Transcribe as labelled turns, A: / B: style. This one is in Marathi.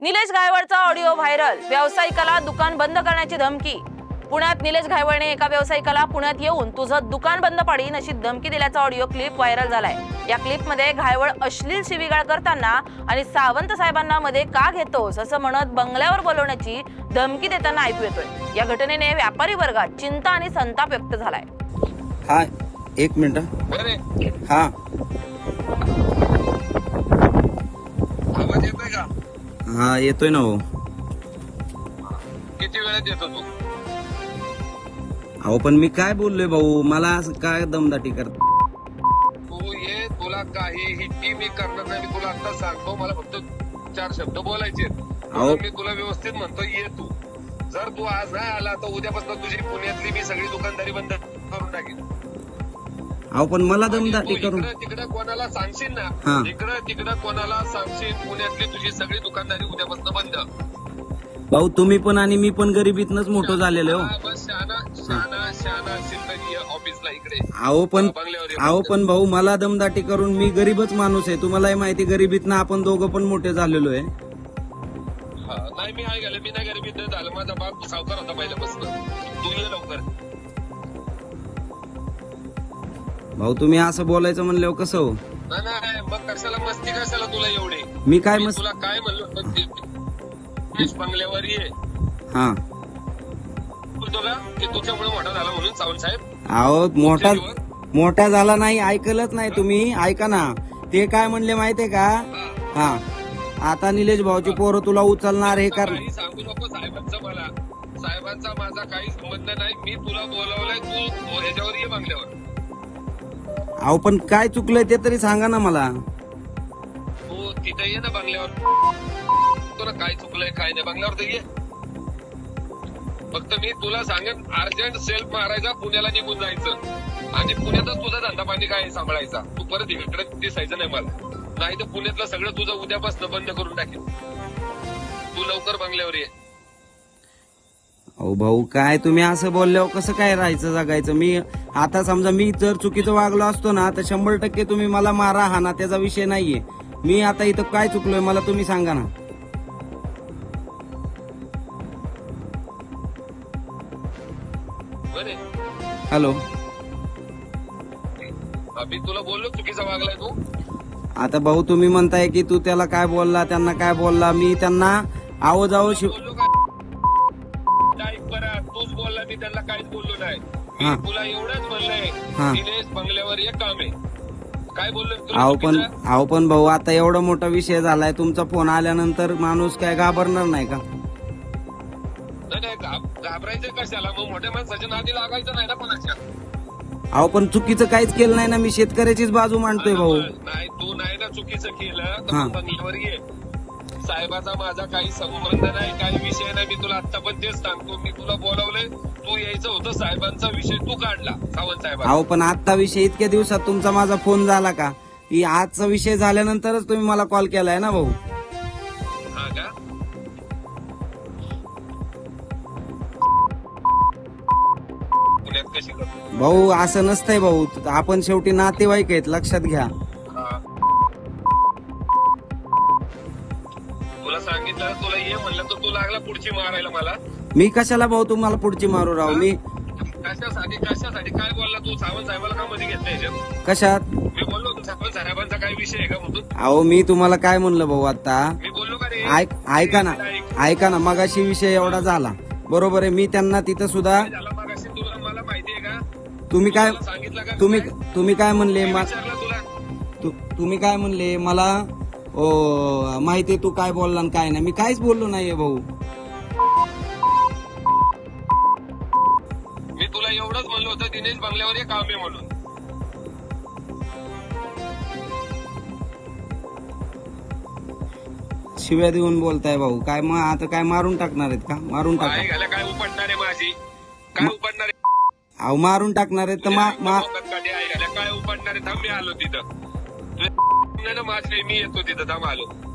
A: निलेश घायवळचा ऑडिओ व्हायरल. व्यावसायिकाला दुकान बंद करण्याची धमकी. पुण्यात निलेश घायवळने एका व्यावसायिकाला पुण्यात येऊन तुझं दुकान बंद पाडीन अशी धमकी दिल्याचा ऑडिओ क्लिप व्हायरल झालाय. या क्लिपमध्ये घायवळ अश्लील शिवीगाळ करताना आणि सावंत साहेबांना मध्ये का घेतोस असं म्हणत बंगल्यावर बोलवण्याची धमकी देताना ऐकू येतोय. या घटनेने व्यापारी वर्गात चिंता आणि संताप व्यक्त झालाय.
B: हा, एक मिनिट. हा,
C: आवाज येतोय का?
B: हा येतोय ना भाऊ.
C: किती वेळात येतो तू?
B: अहो पण मी काय बोललोय भाऊ, मला असं काय दमदाटी करत.
C: तू ये, तुला काहीही मी करणार नाही. मी तुला आता सांगतो, मला फक्त 4 शब्द बोलायचे.
B: अहो.
C: मी तुला व्यवस्थित म्हणतो, ये तू. जर तू आज नाही आला तर उद्यापासून तुझी पुण्यातली मी सगळी दुकानदारी बंद करून टाकेन.
B: अहो पण मला
C: आणि
B: दमदाटी
C: तू
B: करून.
C: इकडं तिकडं कोणाला सांगशील
B: हा.
C: ना, इकडं तिकडं कोणाला सांगशील, पुण्यातली तुझी सगळी दुकानदारी उद्यापासून बंद.
B: भाऊ तुम्ही पण आणि मी पण गरिबीतनच मोठं झालेलो.
C: हा, बस शहाणा शिंदगी ऑफिसला इकडे. बंगल्यावर ये.
B: अहो पण भाऊ मला दमदाटी करून, मी गरीबच माणूस आहे, तुम्हालाही माहिती. गरिबीतनं आपण दोघं पण मोठे झालेलो आहे.
C: हा, नाही मी आहे मी नाही गरीबीत झालं. माझा बाप सावकार होता पहिल्यापासून. तू ये लवकर.
B: भाऊ तुम्ही असं बोलायचं म्हणल्यावर कसं हो?
C: नाही मग कशाला मस्ती, कशाला तुला एवढी?
B: मी काय
C: मी
B: मस्त.
C: तुला काय म्हणलो? बंगल्यावर ये.
B: हा,
C: बोलतो का की तुझ्यामुळे मोठा झाला म्हणून सावंत साहेब?
B: अहो मोठा झाला नाही, ऐकलंच नाही तुम्ही. ऐका ना, ते काय म्हणले माहितीये का? हा, आता निलेश भाऊची पोरं तुला उचलणार हे कर.
C: काही सांगू नको साहेबांचं मला. साहेबांचा माझा काही संबंध नाही. मी तुला बोलावलंय, तू ह्याच्यावर ये बंगल्यावर.
B: अहो पण काय चुकलंय ते तरी सांगा ना मला.
C: तू तिथे ये ना बंगल्यावर. तुला काय चुकलंय काय नाही, बंगल्यावर तर ये. फक्त मी तुला सांगेन, अर्जंट सेल्फ मारायचा, पुण्याला निघून जायचं आणि पुण्यातच तुझा धंदा पाणी काय सांभाळायचा. तू परत इकडे दिसायचं नाही मला, नाही तर पुण्यातलं सगळं तुझं उद्यापासून बंद करून टाकेल. तू लवकर बंगल्यावर ये.
B: अहो भाऊ काय तुम्ही असं बोलल्यावर कसं काय राहायचं जगायचं? मी आता समजा मी जर चुकीचं वागलो असतो ना तर 100% तुम्ही मला मारा हाना, त्याचा विषय नाहीये. मी आता इथं काय चुकलोय मला तुम्ही सांगा ना.
C: बरे
B: हॅलो,
C: मी तुला बोललो चुकीचा वागलाय तू.
B: आता भाऊ तुम्ही म्हणताय की तू त्याला काय बोलला, त्यांना काय बोलला. मी त्यांना आहो शिव.
C: बोललो काय? ऐक बरं, तूच बोलला, मी त्यांना काहीच बोललो नाही.
B: हा.
C: मी तुला एवढंच म्हणलंय,
B: हा.
C: निलेश बंगल्यावर एक काम आहे. काय बोललो मी तुला चुकीचं?
B: अहो पण भाऊ आता एवढा मोठा विषय झालाय, तुमचा फोन आल्यानंतर माणूस काय घाबरणार नाही का?
C: नाही घाबरायचं कशाला? मग मोठ्या माणसाच्या नादी लागायचं नाही ना कोणाच्या.
B: अहो पण चुकीचं काहीच केलं नाही ना, मी शेतकऱ्याचीच बाजू मांडतोय भाऊ.
C: नाही तू नाही ना चुकीचं केलं तर
B: हा.
C: मग बंगल्यावर ये. साहेबाचा माझा काही संबंध नाही, काही विषय नाही. मी तुला आता पण तेच सांगतो, मी तुला बोलावलंय, तू यायचं होतं. साहेबांचा विषय तू काढला, सावंत साहेब.
B: अहो पण आजचा विषय इतक्या दिवसात तुमचा माझा फोन झाला का? ही आजचा विषय झाल्यानंतरच तुम्ही मला कॉल केलाय ना भाऊ.
C: हा का? पुण्यात कशी करतो?
B: भाऊ असं नसतंय भाऊ, आपण शेवटी नातेवाईक आहेत, लक्षात घ्या.
C: हा. तुला सांगितलं, तुला ये म्हणलं तर तू लागला पुढची मारायला मला.
B: मी कशाला भाऊ तुम्हाला पुढची मारू राहू? मी
C: कशासाठी काय बोलला तू? सावंत साहेबाला का मध्ये घेतलं ह्याच्यात?
B: कशात?
C: मी बोललो होतो सावंत साहेबांचा काय विषय आहे का म्हणून.
B: अहो मी तुम्हाला काय म्हणलं भाऊ आता?
C: मी बोललो का रे?
B: ऐका ना मगाशी विषय एवढा झाला, बरोबर आहे. मी त्यांना तिथं सुद्धा,
C: काय झालं मगाशी तुला मला माहिती आहे का?
B: तुम्ही काय
C: तुला सांगितलं का?
B: तुम्ही काय म्हणले
C: मी विचारलं तुला.
B: तुम्ही काय म्हणले मला? माहितीये तू काय बोलला आणि काय नाही. मी काहीच बोललो नाहीये भाऊ.
C: मी तुला एवढंच म्हणलं होतं, दिनेश बंगल्यावर एक काम आहे म्हणून.
B: शिव्या देऊन बोलताय भाऊ. काय मग आता काय मारून टाकणार आहेत का? मारून
C: काय
B: टाका.
C: घाला, काय उपडणार आहे माझी? काय उपडणार आहे?
B: अहो मारून टाकणार आहेत तर
C: काय उपडणार आहे? थांब, मी आलो तिथं. नाही ना माझी, मी येतो तिथं, थांब आलो.